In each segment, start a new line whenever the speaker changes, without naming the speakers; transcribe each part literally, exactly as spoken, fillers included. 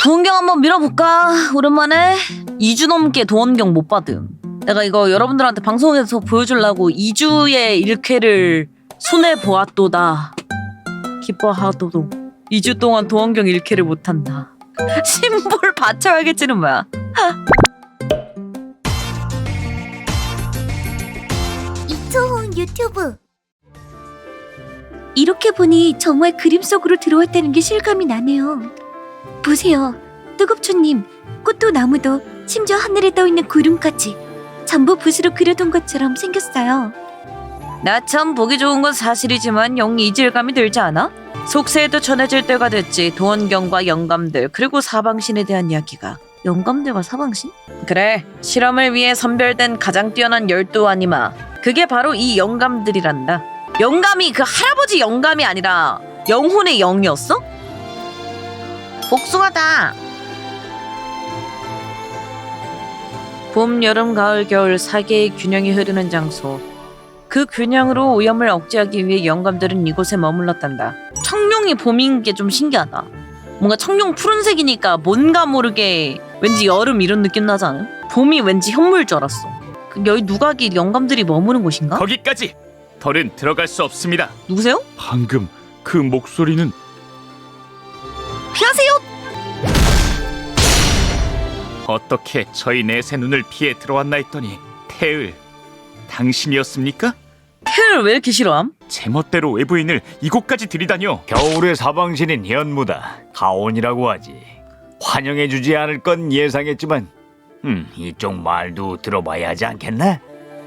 도원경 한번 밀어볼까? 오랜만에 이 주 넘게 도원경 못 받음. 내가 이거 여러분들한테 방송에서 보여주려고 이 주의 일 회를 손해보았도다. 기뻐하도록 이 주 동안 도원경 일 회를 못한다. 심볼 받쳐야겠지는 뭐야.
이초훈 유튜브. 이렇게 보니 정말 그림 속으로 들어왔다는 게 실감이 나네요. 보세요. 뜨겁초님, 꽃도 나무도 심지어 하늘에 떠있는 구름까지 전부 붓으로 그려둔 것처럼 생겼어요.
나 참 보기 좋은 건 사실이지만 영 이질감이 들지 않아? 속세에도 전해질 때가 됐지. 도원경과 영감들 그리고 사방신에 대한 이야기가. 영감들과 사방신? 그래, 실험을 위해 선별된 가장 뛰어난 열두 아니마. 그게 바로 이 영감들이란다. 영감이 그 할아버지 영감이 아니라 영혼의 영이었어? 복숭아다. 봄, 여름, 가을, 겨울 사 개의 균형이 흐르는 장소. 그 균형으로 오염을 억제하기 위해 영감들은 이곳에 머물렀단다. 청룡이 봄인 게 좀 신기하다. 뭔가 청룡 푸른색이니까 뭔가 모르게 왠지 여름 이런 느낌 나지 않아? 봄이 왠지 현무일 줄 알았어. 그 여기 누각이 영감들이 머무는 곳인가?
거기까지! 덜은 들어갈 수 없습니다.
누구세요?
방금 그 목소리는...
피하세요!
어떻게 저희 넷의 눈을 피해 들어왔나 했더니 태을, 당신이었습니까?
태를 왜 이렇게 싫어함?
제멋대로 외부인을 이곳까지 들이다녀.
겨울의 사방신인 현무다. 가온이라고 하지. 환영해주지 않을 건 예상했지만 음, 이쪽 말도 들어봐야 하지 않겠나?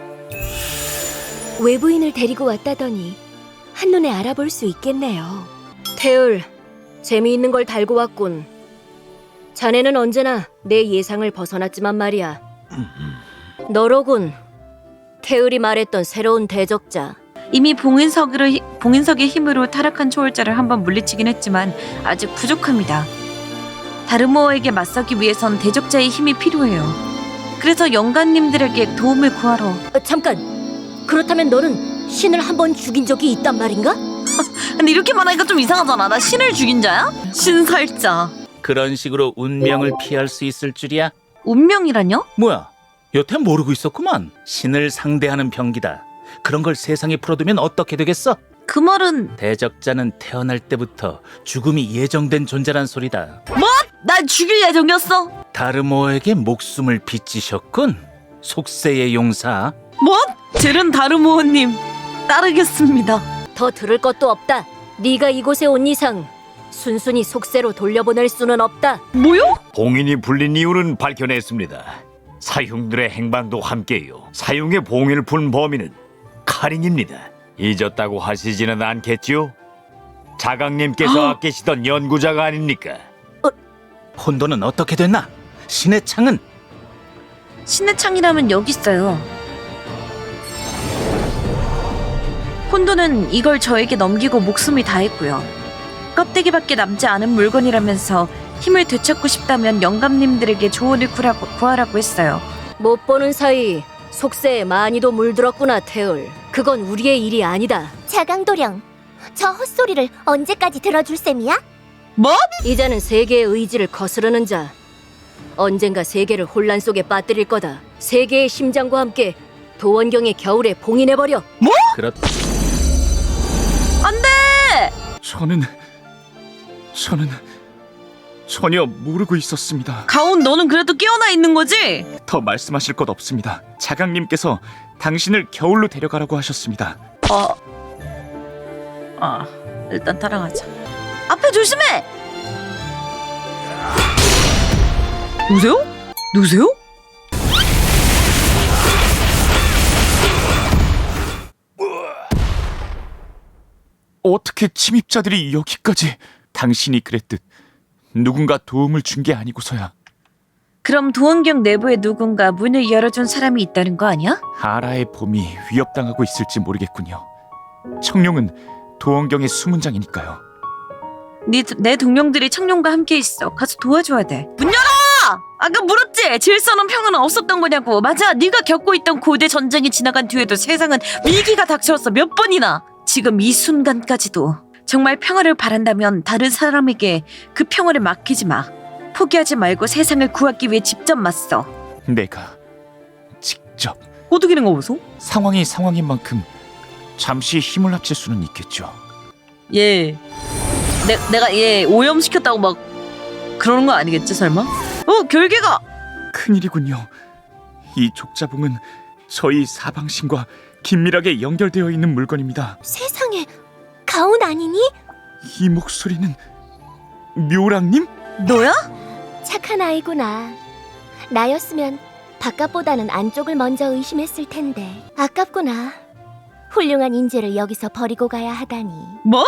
외부인을 데리고 왔다더니 한눈에 알아볼 수 있겠네요.
태을, 재미있는 걸 달고 왔군. 자네는 언제나 내 예상을 벗어났지만 말이야. 너로군. 태을이 말했던 새로운 대적자.
이미 봉인석으로, 봉인석의 힘으로 타락한 초월자를 한번 물리치긴 했지만 아직 부족합니다. 다르모어에게 맞서기 위해선 대적자의 힘이 필요해요. 그래서 영감님들에게 도움을 구하러.
어, 잠깐! 그렇다면 너는 신을 한 번 죽인 적이 있단 말인가?
근데 이렇게 말하니까 좀 이상하잖아. 나 신을 죽인 자야? 신살자.
그런 식으로 운명을 피할 수 있을 줄이야?
운명이라뇨?
뭐야, 여태 모르고 있었구만. 신을 상대하는 병기다. 그런 걸 세상에 풀어두면 어떻게 되겠어?
그 말은
대적자는 태어날 때부터 죽음이 예정된 존재란 소리다.
뭐? 날 죽일 예정이었어?
다르모에게 목숨을 빚지셨군. 속세의 용사.
뭐? 젤은 다르모어님 따르겠습니다.
더 들을 것도 없다. 네가 이곳에 온 이상 순순히 속세로 돌려보낼 수는 없다.
뭐요?
봉인이 풀린 이유는 밝혀냈습니다. 사흉들의 행방도 함께요. 사흉의 봉인을 푼 범인은 카린입니다. 잊었다고 하시지는 않겠지요? 자강님께서 아끼시던 연구자가 아닙니까?
혼돈은 어떻게 됐나? 신의 창은?
신의 창이라면 여기 있어요. 혼돈은 이걸 저에게 넘기고 목숨이 다했고요. 껍데기밖에 남지 않은 물건이라면서 힘을 되찾고 싶다면 영감님들에게 조언을 구하라고, 구하라고 했어요.
못 보는 사이 속세에 많이도 물들었구나, 태을. 그건 우리의 일이 아니다.
자강도령, 저 헛소리를 언제까지 들어줄 셈이야?
뭐?
이제는 세계의 의지를 거스르는 자. 언젠가 세계를 혼란 속에 빠뜨릴 거다. 세계의 심장과 함께 도원경의 겨울에 봉인해버려.
그렇...
안 돼!
저는... 저는... 전혀 모르고 있었습니다.
가온, 너는 그래도 깨어나 있는 거지?
더 말씀하실 것 없습니다. 자강님께서 당신을 겨울로 데려가라고 하셨습니다.
어... 아, 일단 따라가자. 앞에 조심해! 누구세요? 누구세요?
어떻게 침입자들이 여기까지... 당신이 그랬듯 누군가 도움을 준 게 아니고서야.
그럼 도원경 내부에 누군가 문을 열어준 사람이 있다는 거 아니야?
아라의 봄이 위협당하고 있을지 모르겠군요. 청룡은 도원경의 수문장이니까요.
네, 내 동료들이 청룡과 함께 있어. 가서 도와줘야 돼. 문 열어! 아까 물었지? 질서는 평화는 없었던 거냐고. 맞아, 네가 겪고 있던 고대 전쟁이 지나간 뒤에도 세상은 위기가 닥쳐왔어. 몇 번이나. 지금 이 순간까지도. 정말 평화를 바란다면 다른 사람에게 그 평화를 맡기지 마. 포기하지 말고 세상을 구하기 위해 직접 맞서.
내가 직접
꼬드기는 거 보소?
상황이 상황인 만큼 잠시 힘을 합칠 수는 있겠죠.
얘 내, 내가 얘 오염시켰다고 막 그러는 거 아니겠지 설마? 어 결계가!
큰일이군요. 이 족자봉은 저희 사방신과 긴밀하게 연결되어 있는 물건입니다.
세상에, 가온 아니니?
이 목소리는 묘랑님?
너야?
착한 아이구나. 나였으면 바깥보다는 안쪽을 먼저 의심했을 텐데 아깝구나. 훌륭한 인재를 여기서 버리고 가야 하다니.
뭐?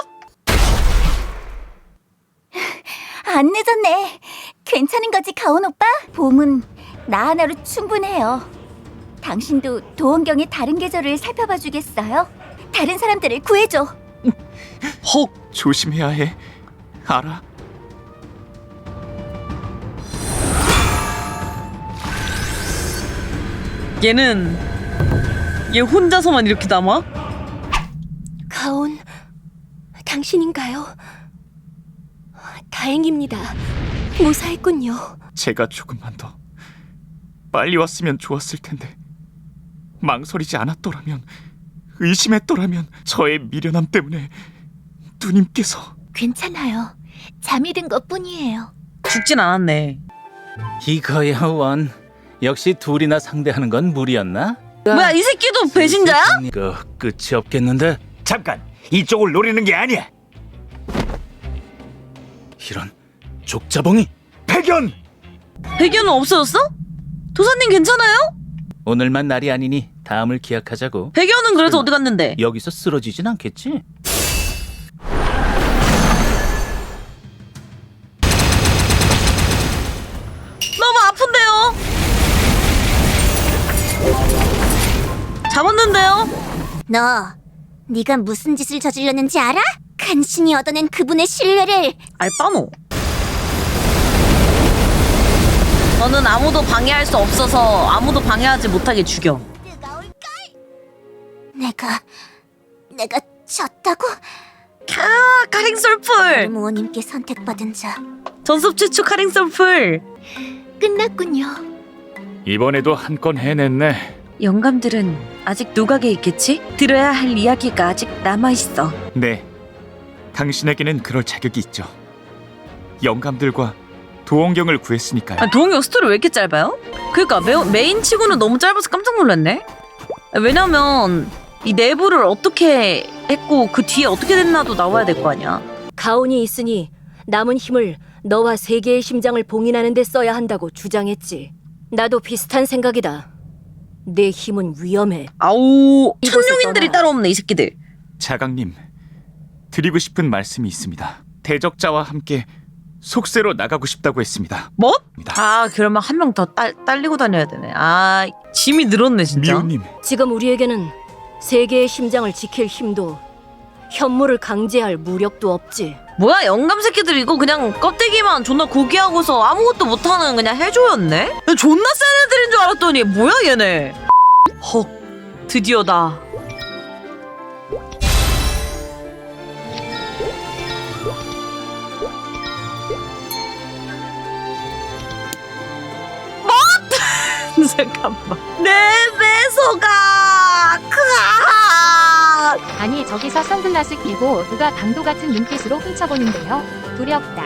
안 늦었네. 괜찮은 거지, 가온 오빠? 봄은 나 하나로 충분해요. 당신도 도원경의 다른 계절을 살펴봐 주겠어요? 다른 사람들을 구해줘.
헉
조심해야 해. 알아?
얘는 얘 혼자서만 이렇게 남아?
가온, 당신인가요? 다행입니다. 무사했군요.
제가 조금만 더 빨리 왔으면 좋았을 텐데 망설이지 않았더라면, 의심했더라면 저의 미련함 때문에 누님께서.
괜찮아요. 잠이 든 것뿐이에요.
죽진 않았네.
이거야 원. 역시 둘이나 상대하는 건 무리였나?
뭐야 이 새끼도 배신자야?
그 끝이 없겠는데?
잠깐, 이쪽을 노리는 게 아니야.
이런 족자봉이.
백연!
배견은 없어졌어? 도사님 괜찮아요?
오늘만 날이 아니니 다음을 기약하자고.
배견은 그래서 어디 갔는데?
여기서 쓰러지진 않겠지?
너무 아픈데요? 잡았는데요?
너, 네가 무슨 짓을 저질렀는지 알아? 간신히 얻어낸 그분의 신뢰를.
알바노. 너는 아무도 방해할 수 없어서 아무도 방해하지 못하게 죽여.
내가, 내가 졌다고?
캬, 카링솔풀.
무호님께 선택받은 자.
전섭 최초 카링솔풀.
끝났군요.
이번에도 한 건 해냈네.
영감들은 아직 누각에 있겠지? 들어야 할 이야기가 아직 남아있어.
네, 당신에게는 그럴 자격이 있죠. 영감들과 도원경을 구했으니까요.
아, 도원경 스토리 왜 이렇게 짧아요? 그니까 러 메인 치고는 너무 짧아서 깜짝 놀랐네. 왜냐면 이 내부를 어떻게 했고 그 뒤에 어떻게 됐나도 나와야 될 거 아니야.
가온이 있으니 남은 힘을 너와 세계의 심장을 봉인하는 데 써야 한다고 주장했지. 나도 비슷한 생각이다. 내 힘은 위험해.
아우
이곳을
천룡인들이
떠나.
따로 없네 이 새끼들.
자강님, 드리고 싶은 말씀이 있습니다. 대적자와 함께 속세로 나가고 싶다고 했습니다.
뭐? 아 그러면 한 명 더 딸리고 다녀야 되네. 아 짐이 늘었네 진짜.
미호님,
지금 우리에게는 세계의 심장을 지킬 힘도 현무를 강제할 무력도 없지.
뭐야 영감 새끼들 이거 그냥 껍데기만 존나 고기하고서 아무것도 못하는 그냥 해줘였네? 존나 센 애들인 줄 알았더니 뭐야 얘네. 헉 드디어다. 뭐? 잠깐만 내 배소가 크아.
아니 저기서 선글라스 끼고 누가 강도 같은 눈빛으로 훔쳐보는데요. 두렵다.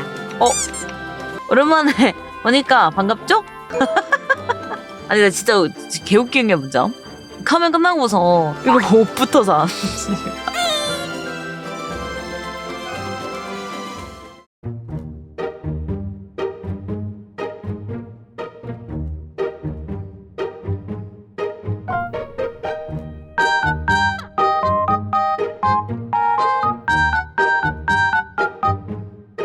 오랜만에 보니까 반갑죠? 아니 나 진짜 개웃기는 게 뭐죠? 카멘 끝나고서 이거 옷부터 사.